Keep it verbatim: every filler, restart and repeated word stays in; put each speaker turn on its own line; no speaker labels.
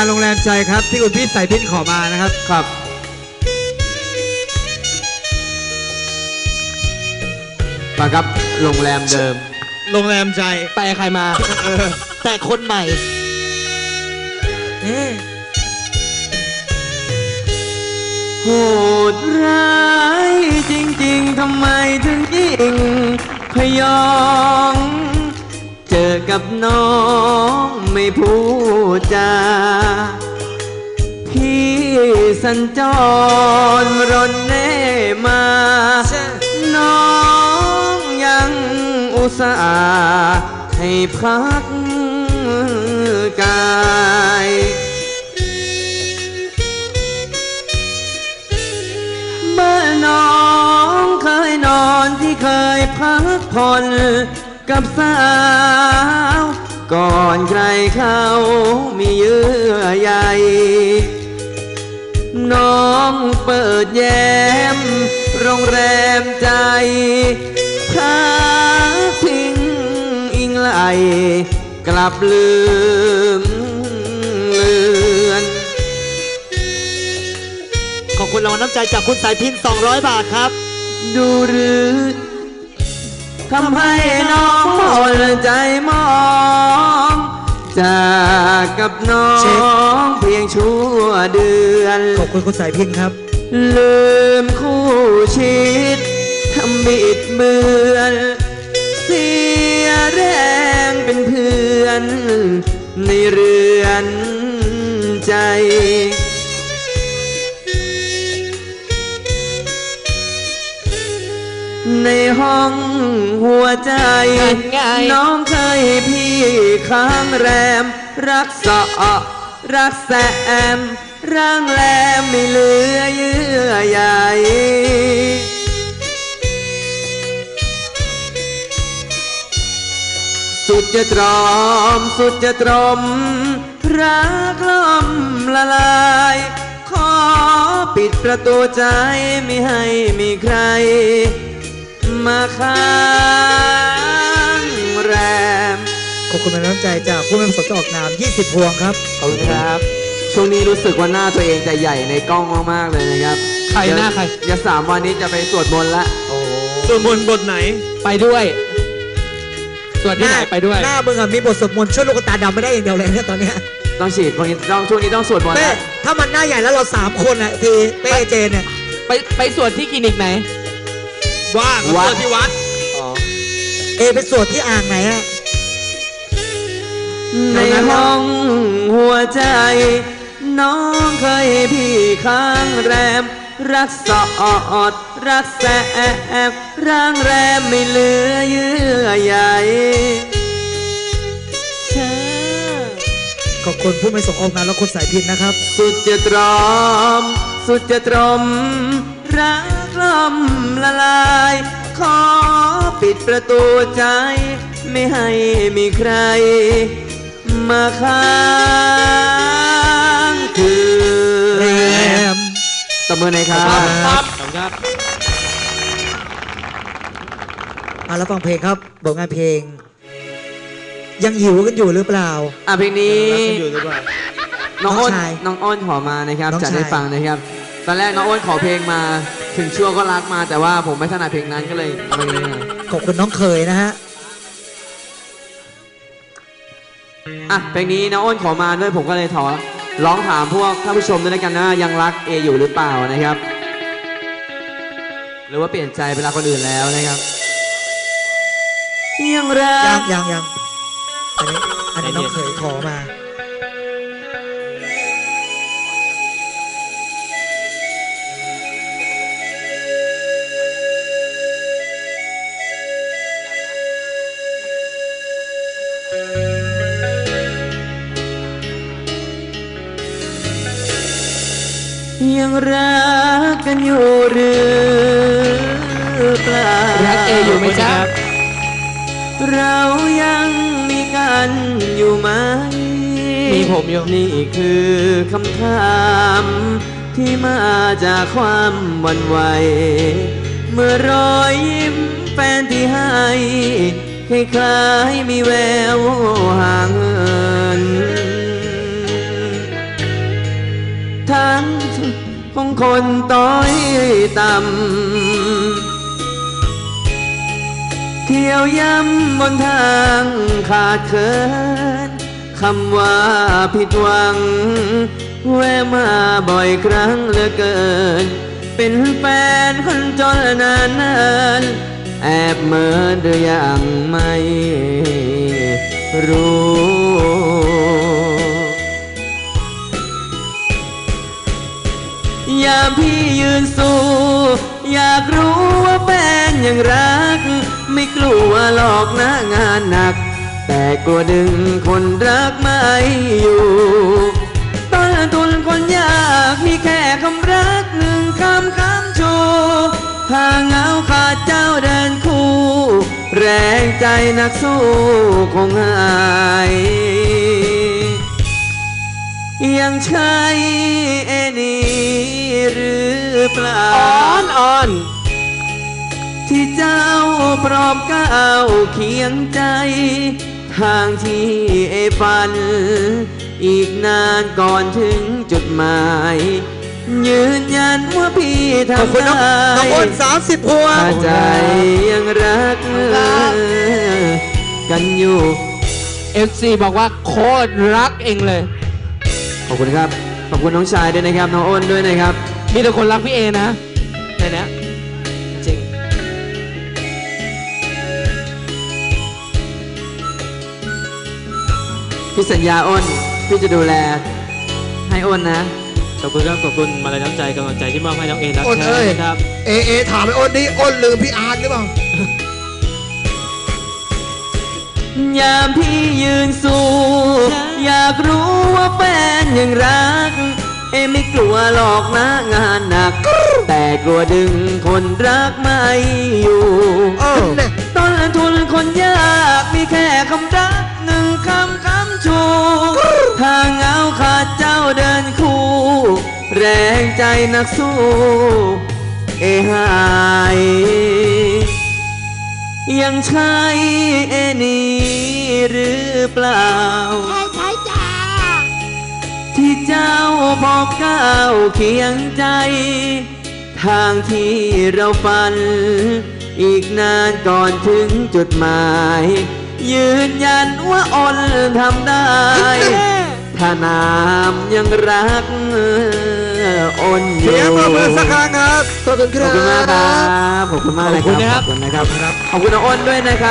โรงแรมใจครับที่คุณพี่สายพินขอมานะครับครับมาครับโรงแรมเดิม
โรงแรมใจ
แปลใครมาแต่คนใหม่
โหดร้ายจริงๆทำไมถึงยิงพยองเจอกับน้องไม่พูดจาพี่สัญจรรนเน่มาน้องยังอุตส่าห์ให้พักกายเมื่อน้องเคยนอนที่เคยพักผ่อนกับสาวก่อนใครเขามีเยื่อใยน้องเปิดแย้มโรงแรมใจพักพิงอิงไหลกลับลืมเลือน
ขอบคุณรางวัลน้ำใจจากคุณสายพินสองร้อยบาทครับ
ดูหรือทำให้น้องหมดใจมองจากกับน้องเพียงชั่วเดือน
ขอบคุณคุณสายพินครับ
ลืมคู่ชิดทำบิดเบือนเสียแรงเป็นเพื่อนในเรือนใจในห้องหัวใจน้องเคยพี่ค้างแรมรักษารักแสมร่างแรมไม่เหลือเยื่อใยสุดจะตรอมสุดจะตรมรักล้อมละลายขอปิดประตูใจไม่ให้มีใครมาค้างแรม
ขอบคุณน้ำใจจากผู้ไม่ประสงค์จะออกนามยี่สิบพวงครับ
ขอบคุณครับช่วงนี้รู้สึกว่าหน้าตัวเองจะใหญ่ในกล้องมากๆเลยนะครับ
ใครหน้าใคร
อย่าสามวันนี้จะไปสวดมนต์ละ
โอ้สวดมนต์บทไหน
ไปด้วยสวดที่ไหนไปด้วย
หน้ามึงอะมีบทสวดมนต์ช่วยลูกตาดำไม่ได้อย่างเดียวเลยเนี่ยตอนนี้
ต้องฉีดวันนี้ต้องช่วงนี้ต้องสวดมนต์
นะถ้ามันหน้าใหญ่แล้วเราสามคนอะทีเป้เจนเนี่ย
ไปไปสวดที่คลินิกไหน
ว่างวัดที่วัด
เอไปสวดที่อ่างไหนอะ
ในห้องหัวใจน้องเคยพี่ค้างแรมรักษาอดรักแสบร่างแรมไม่เหลือเยื่อใย
ขอบคุณผู้ไม่ส่งออกนามและคุณสายพินนะครับ
สุดจะตรอมสุดจะตรมรักล้อมละลายขอปิดประตูใจไม่ให้มีใครมาค้างคืนแรมตบมือหน่อยครับ
ครับครับ
อ่ะแล้วฟังเพลงครับบทงานเพลงยังหิวกันอยู่หรือเปล่า
อ่ะเพลงนี้น้องอ้นน้องอ้นขอมานะครับจะได้ฟังนะครับตอนแรกน้องอ้นขอเพลงมาถึงชั่วก็รักมาแต่ว่าผมไม่ถนัดเพลงนั้นก็เลยไม่ได้
ขอบคุณน้องเคยนะฮะ
อ่ะเพลงนี้น้องอ้นขอมาด้วยผมก็เลยขอร้องถามพวกท่านผู้ชมด้วยกันนะยังรักเออยู่หรือเปล่านะครับหรือว่าเปลี่ยนใจไปรักคนอื่นแล้วนะครับยังรั
กยังยังอันนี้อันนี้น้องเคยขอมา
ยังรักกันอยู่หรือเปล่า
รักเออยู่ไหมจ๊ะ
เรายังมีกันอยู่ไหม
มีผมอยู่
นี่คือคำถามที่มาจากความหวั่นไหวเมื่อรอยยิ้มแฟนที่ให้คล้ายๆมีแววห่างเหินคนต้อยต่ำเที่ยวย้ำบนทางขาดเคินคำว่าผิดหวัง แวะมาบ่อยครั้งเหลือเกิน เป็นแฟนคนจนนานนานแอบเมินหรือยังไม่รู้ ยามพี่ยืนสู้ อยากรู้ว่าแฟนยังรัก ไม่กลัวหลอกนะงานหนัก แต่กลัวดึงคนรักไม่อยู่ต้นทุนคนยากมีแค่คำรักหนึ่งคำคำชูถ้าเหงาขาดเจ้าเดินคู่ แรงใจนักสู้คงหายยังใช่เอนี่หรือเปล่าอ่อนอ่อนที่เจ้าพร้อมก้าวเคียงใจ ทางที่เอฝัน อีกนานก่อนถึงจุดหมาย ยืนยันว่าพี่
ขอบ
ทำ
คุณน้อง
ได้
น้องอ้นสามสิบพวง
ถ้าใจยังรักกันอยู่
เอฟซีบอกว่าโคตรรักเองเลย
ขอบคุณครับ ขอบคุณน้องชายด้วยนะครับ น้องอ้นด้วยนะครับ
มีแต่คนรักพี่เอนะในเนี้ยจริง
พี่สัญญาอ้น พี่จะดูแล ให้อ้นนะ
ขอบคุณครับขอบคุณมาลัยน้ำใจกำลังใจที่มอบให้น้องเอรัก
อ้น
แท้
เอ้ย
นะครับ
เอเอถามไอ้อ้นนี่อ้นลืมพี่อาร์ตหรือเปล่า
ยามพี่ยืนสู้ อยากรู้ว่าแฟนยังรัก เอไม่กลัวหลอกนะงานหนัก แต่กลัวดึงคนรักไม่อยู่
เออเนี่ย
ต้นทุนคนยากมีแค่คำรักหนึ่งคำคำชูถ้าเหงาขาดเจ้าเดินคู่ แรงใจนักสู้ เอหายยังใช่เอนี่หรือเปล่า
ใช่ใช่จ้า
ที่เจ้าบอกก้าวเคียงใจ ทางที่เราฝัน อีกนานก่อนถึงจุดหมาย ยืนยันว่าอนทำได้ ถ้านามยังรักอนอยู่
เสียงปรบมือสักครั้งครับ ขอบคุณค
ข
รั
อ
บบ
คุณมากครับ ขอบคุณมากเลยครับ ขอบคุณนะครับ ขอบคุณน้องอ้นด้วยนะครับ